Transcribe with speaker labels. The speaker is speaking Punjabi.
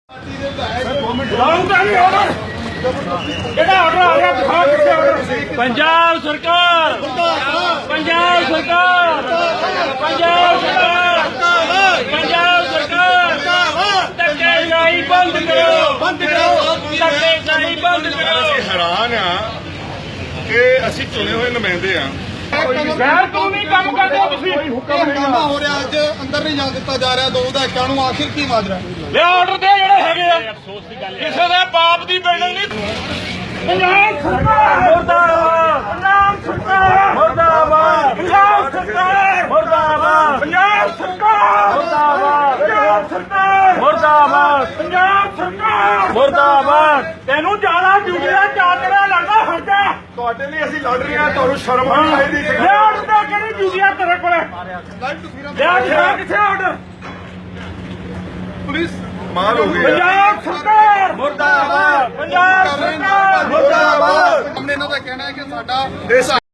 Speaker 1: पंजाब सरकार पंजाब सरकार पंजाब सरकार पंजाब सरकार धक्केशाही बंद करो धक्केशाही बंद करो।
Speaker 2: हैरान आ कि ਅਸੀਂ ਚੁਣੇ ਹੋਏ ਨੁਮਾਇੰਦੇ ਆ
Speaker 1: ਸ਼ਹਿਰ ਤੋਂ ਨਹੀਂ ਕੰਮ ਕਰਦੇ ਤੁਸੀਂ
Speaker 3: ਹੰਗਾਮਾ ਹੋ ਰਿਹਾ ਅੱਜ ਅੰਦਰ ਨਹੀਂ ਜਾਣ ਦਿੱਤਾ ਜਾ ਰਿਹਾ ਦੋ ਵਿਧਾਇਕਾਂ ਨੂੰ ਆਖਿਰ ਕੀ ਮਾਜਰਾ
Speaker 1: ਇਹ ਆਰਡਰ ਦੇ ਜਿਹੜੇ ਹੈਗੇ ਆ ਕਿਸੇ ਦੇ ਬਾਪ ਦੀ ਬਿਲਡਿੰਗ ਨਹੀਂ। ਪੰਜਾਬ ਸਰਕਾਰ ਮੁਰਦਾਬਾਦ ਪੰਜਾਬ ਸਰਕਾਰ ਮੁਰਦਾਬਾਦ ਪੰਜਾਬ ਸਰਕਾਰ ਮੁਰਦਾਬਾਦ ਪੰਜਾਬ ਸਰਕਾਰ ਮੁਰਦਾਬਾਦ ਪੰਜਾਬ ਸਰਕਾਰ ਮੁਰਦਾਬਾਦ ਪੰਜਾਬ ਸਰਕਾਰ ਮੁਰਦਾਬਾਦ। ਤੈਨੂੰ ਜ਼ਿਆਦਾ ਡਿਊਟੀਆਂ ਚਾਦਰਾ ਲੱਗਦਾ ਹਰਦਾ
Speaker 2: ਤੁਹਾਡੇ ਲਈ ਅਸੀਂ ਲੜ ਰਹੇ ਆ ਤੁਹਾਨੂੰ ਸ਼ਰਮ ਆਉਣੀ ਚਾਹੀਦੀ
Speaker 1: ਲਿਆਉਣ ਦਾ ਕਿਹੜੀ ਡਿਊਟੀਆਂ ਤੇਰੇ ਕੋਲੇ ਲਿਆ ਕਿੱਥੇ ਆਰਡਰ
Speaker 2: ਪੁਲਿਸ ਮਾਰ ਹੋ ਗਈ
Speaker 1: ਪੰਜਾਬ ਸਰਕਾਰ ਮੁਰਦਾਬਾਦ ਪੰਜਾਬ ਸਰਕਾਰ ਮੁਰਦਾਬਾਦ।
Speaker 3: ਇਹਨਾਂ ਦਾ ਕਹਿਣਾ ਹੈ ਕਿ ਸਾਡਾ
Speaker 2: ਦੇਸ਼